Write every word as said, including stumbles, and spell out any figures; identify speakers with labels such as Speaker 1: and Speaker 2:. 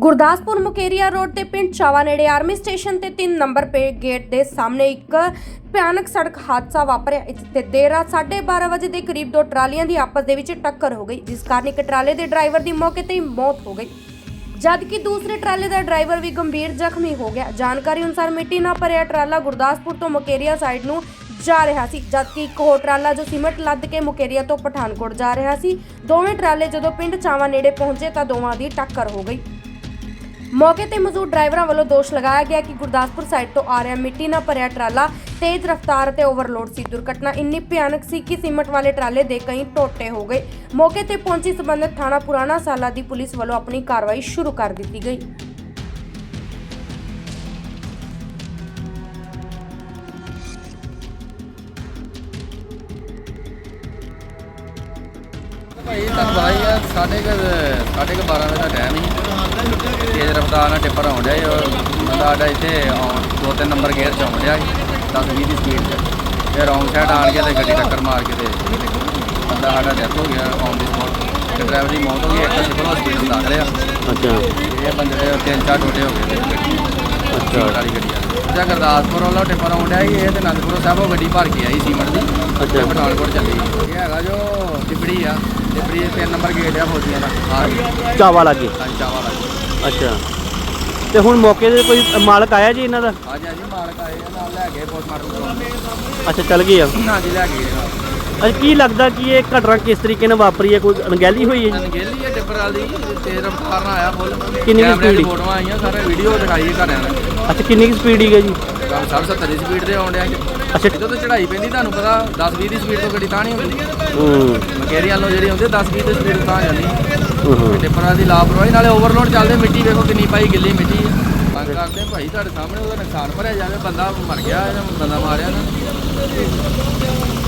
Speaker 1: Gurdaspur Mukerian road ਤੇ ਪਿੰਡ ਚਾਵਾ ਨੇੜੇ ਆਰਮੀ ਸਟੇਸ਼ਨ ਤੇ ਤਿੰਨ ਨੰਬਰ ਪੇ ਗੇਟ ਦੇ ਸਾਹਮਣੇ ਇੱਕ ਭਿਆਨਕ ਸੜਕ ਹਾਦਸਾ ਵਾਪਰਿਆ। ਇਸ ਤੇ ਦੇਰ ਰਾਤ ਸਾਢੇ ਬਾਰਾਂ ਵਜੇ ਦੇ ਕਰੀਬ ਦੋ ਟਰਾਲੀਆਂ ਦੀ ਆਪਸ ਦੇ ਵਿੱਚ ਟੱਕਰ ਹੋ ਗਈ, ਜਿਸ ਕਾਰਨ ਇੱਕ ਟਰਾਲੇ ਦੇ ਡਰਾਈਵਰ ਦੀ ਮੌਕੇ ਤੇ ਹੀ ਮੌਤ ਹੋ ਗਈ, ਜਦਕਿ ਦੂਸਰੇ ਟਰਾਲੇ ਦਾ ਡਰਾਈਵਰ ਵੀ ਗੰਭੀਰ ਜ਼ਖਮੀ ਹੋ ਗਿਆ। ਜਾਣਕਾਰੀ ਅਨੁਸਾਰ ਮਿੱਟੀ ਨਾਲ ਭਰਿਆ ਟਰਾਲਾ ਗੁਰਦਾਸਪੁਰ ਤੋਂ ਮੁਕੇਰੀਆ ਸਾਈਡ ਨੂੰ ਜਾ ਰਿਹਾ ਸੀ, ਜਦਕਿ ਇੱਕ ਹੋਰ ਟਰਾਲਾ ਜੋ ਸੀਮਟ ਲੱਦ ਕੇ ਮੁਕੇਰੀਆ ਤੋਂ ਪਠਾਨਕੋਟ ਜਾ ਰਿਹਾ ਸੀ। ਦੋਵੇਂ ਟਰਾਲੇ ਜਦੋਂ ਪਿੰਡ ਚਾਵਾ ਨੇੜੇ ਪਹੁੰਚੇ ਤਾਂ ਦੋਵਾਂ ਦੀ ਟੱਕਰ ਹੋ ਗਈ। ਮੌਕੇ ਤੇ ਮੌਜੂਦ ਡਰਾਈਵਰਾਂ ਵੱਲੋਂ ਦੋਸ਼ ਲਗਾਇਆ ਗਿਆ ਕਿ ਗੁਰਦਾਸਪੁਰ ਸਾਈਡ ਤੋਂ ਆ ਰਿਹਾ ਮਿੱਟੀ ਨਾਲ ਭਰਿਆ ਟਰਾਲਾ ਤੇਜ਼ ਰਫ਼ਤਾਰ ਅਤੇ ਓਵਰਲੋਡ ਸੀ। ਦੁਰਘਟਨਾ ਇੰਨੀ ਭਿਆਨਕ ਸੀ ਕਿ ਸੀਮਟ ਵਾਲੇ ਟਰਾਲੇ ਦੇ ਕਈ ਟੋਟੇ ਹੋ ਗਏ। ਮੌਕੇ ਤੇ ਪਹੁੰਚੀ ਸਬੰਧਤ ਥਾਣਾ ਪੁਰਾਣਾ ਸਾਲਾ ਦੀ ਪੁਲਿਸ ਵੱਲੋਂ ਆਪਣੀ ਕਾਰਵਾਈ ਸ਼ੁਰੂ ਕਰ ਦਿੱਤੀ ਗਈ।
Speaker 2: भाई ਤੁਹਾਨੂੰ ਪਤਾ ਹੀ ਆ ਸਾਢੇ ਕੁ ਸਾਢੇ ਕੁ ਬਾਰਾਂ ਵਜੇ ਦਾ ਟਾਈਮ ਸੀ। ਤੇਜ਼ ਰਫ਼ਤਾਰ ਨਾਲ ਟਿੱਪਰ ਆਉਣ ਡਿਆ ਸੀ। ਬੰਦਾ ਸਾਡਾ ਇੱਥੇ ਆਉਣ ਦੋ ਤਿੰਨ ਨੰਬਰ ਗੇਅਰ 'ਚ ਆਉਣ ਡਿਆ ਸੀ ਦਸ ਵੀਹ ਦੀ ਸਪੀਡ 'ਚ, ਫਿਰ ਰੌਂਗ ਸਾਈਡ ਆਣ ਕੇ ਤੇ ਗੱਡੀ ਟੱਕਰ ਮਾਰ ਕੇ ਤੇ ਬੰਦਾ ਸਾਡਾ ਡੈਥ ਹੋ ਗਿਆ ਔਨ ਦੀ ਸਪੋਟ। ਤੇ ਡਰਾਈਵਰ ਦੀ ਮੌਤ ਹੋ ਗਈ। ਇੱਕ ਸਿਵਲ ਹਸਪੀਟਲ ਦਾਖਲ ਆ।
Speaker 3: ਅੱਛਾ
Speaker 2: ਇਹ ਬੰਦੇ ਦੇ ਤਿੰਨ ਚਾਰ ਟੋਟੇ ਹੋ ਗਏ ਗੱਡੀ
Speaker 3: ਅੱਛਾ
Speaker 2: ਵਾਲੀ ਗੱਡੀ ਆ। ਜਾਂ ਗੁਰਦਾਸਪੁਰ ਵੱਲੋਂ ਟਿੱਪਰ ਆਉਣ ਡਿਆ ਸੀ। ਇਹ ਤੇ ਅਨੰਦਪੁਰ ਸਾਹਿਬੋਂ ਗੱਡੀ ਭਰ ਕੇ ਆਈ ਸੀਮਟ ਦੀ।
Speaker 3: ਅੱਛਾ
Speaker 2: ਪਠਾਨਕੋਟ ਚੱਲੀ। ਇਹ ਹੈਗਾ ਜੋ ਟਿੱਬੜੀ ਆ। ਟਿੱਬੜੀ ਤਿੰਨ ਨੰਬਰ ਗੇਟ ਆ ਫੌਜੀਆਂ ਦਾ ਆ ਗਈ
Speaker 3: ਚਾਵਾ ਲਾਗੇ।
Speaker 2: ਹਾਂਜੀ ਚਾਵਾ ਲੱਗ
Speaker 3: ਅੱਛਾ ਤੇ ਹੁਣ ਮੌਕੇ ਤੇ ਕੋਈ ਮਾਲਕ ਆਇਆ ਜੀ ਇਹਨਾਂ ਦਾ?
Speaker 2: ਹਾਂਜੀ ਹਾਂਜੀ ਮਾਲਕ ਆਏ ਆ ਨਾਲ ਲੈ ਗਏ ਪੋਸਟਮਾਰਟਮ ਕਰਾਉਣ।
Speaker 3: ਅੱਛਾ ਚੱਲ ਗਏ ਆ।
Speaker 2: ਹਾਂਜੀ ਲੈ ਕੇ ਗਏ ਨਾਲ।
Speaker 3: ਅੱਛਾ ਕੀ ਲੱਗਦਾ ਕਿ ਇਹ ਘਟਨਾ ਕਿਸ ਤਰੀਕੇ ਨਾਲ ਵਾਪਰੀ ਹੈ? ਕੋਈ ਅਣਗਹਿਲੀ ਹੋਈ ਹੈ ਜੀ?
Speaker 2: ਅਣਗਹਿਲੀ ਹੈ ਟਿੱਬਰ ਵਾਲੀ ਤੇਜ਼ ਰਫ਼ਤਾਰ ਨਾਲ ਆਇਆ ਫੁੱਲ।
Speaker 3: ਕਿੰਨੀ ਕੁ
Speaker 2: ਕੈਮਰੇ ਦੀ
Speaker 3: speed?
Speaker 2: ਫੋਟੋਆਂ ਆਈਆਂ ਸਾਰੇ ਵੀਡੀਓ ਦਿਖਾਈ ਘਰਿਆਂ ਨੇ।
Speaker 3: ਅੱਛਾ ਕਿੰਨੀ ਕੁ ਸਪੀਡ ਹੈ ਜੀ?
Speaker 2: ਕੰਮ ਸੱਠ ਸੱਤਰ ਦੀ ਸਪੀਡ ਤੇ ਆਉਣ ਡਿਆ ਜੀ।
Speaker 3: ਅੱਛਾ
Speaker 2: ਜਦੋਂ ਤੇ ਚੜਾਈ ਪੈਂਦੀ ਤੁਹਾਨੂੰ ਪਤਾ ਦਸ ਵੀਹ ਦੀ ਸਪੀਡ ਤੋਂ ਗੱਡੀ ਤਾਂ ਨਹੀਂ ਹੁੰਦੀ।
Speaker 3: ਹੂੰ
Speaker 2: ਮਕੇਰੀ ਵੱਲੋਂ ਜਿਹੜੀ ਹੁੰਦੀ ਦਸ ਵੀਹ ਦੀ ਸਪੀਡ ਤਾਂ ਜਾਂਦੀ।
Speaker 3: ਹੂੰ
Speaker 2: ਟਿੱਪਰ ਵਾਲੀ ਦੀ ਲਾਪਰਵਾਹੀ ਨਾਲੇ ਓਵਰਲੋਡ ਚੱਲਦੇ। ਮਿੱਟੀ ਵੇਖੋ ਕਿੰਨੀ ਪਾਈ ਗਿੱਲੀ ਮਿੱਟੀ ਆ। ਮੰਗ ਕਰਦੇ ਭਾਈ ਤੁਹਾਡੇ ਸਾਹਮਣੇ ਉਹਦਾ ਨੁਕਸਾਨ ਭਰਿਆ ਜਾਵੇ। ਬੰਦਾ ਮਰ ਗਿਆ, ਬੰਦਾ ਮਾਰਿਆ ਨਾ।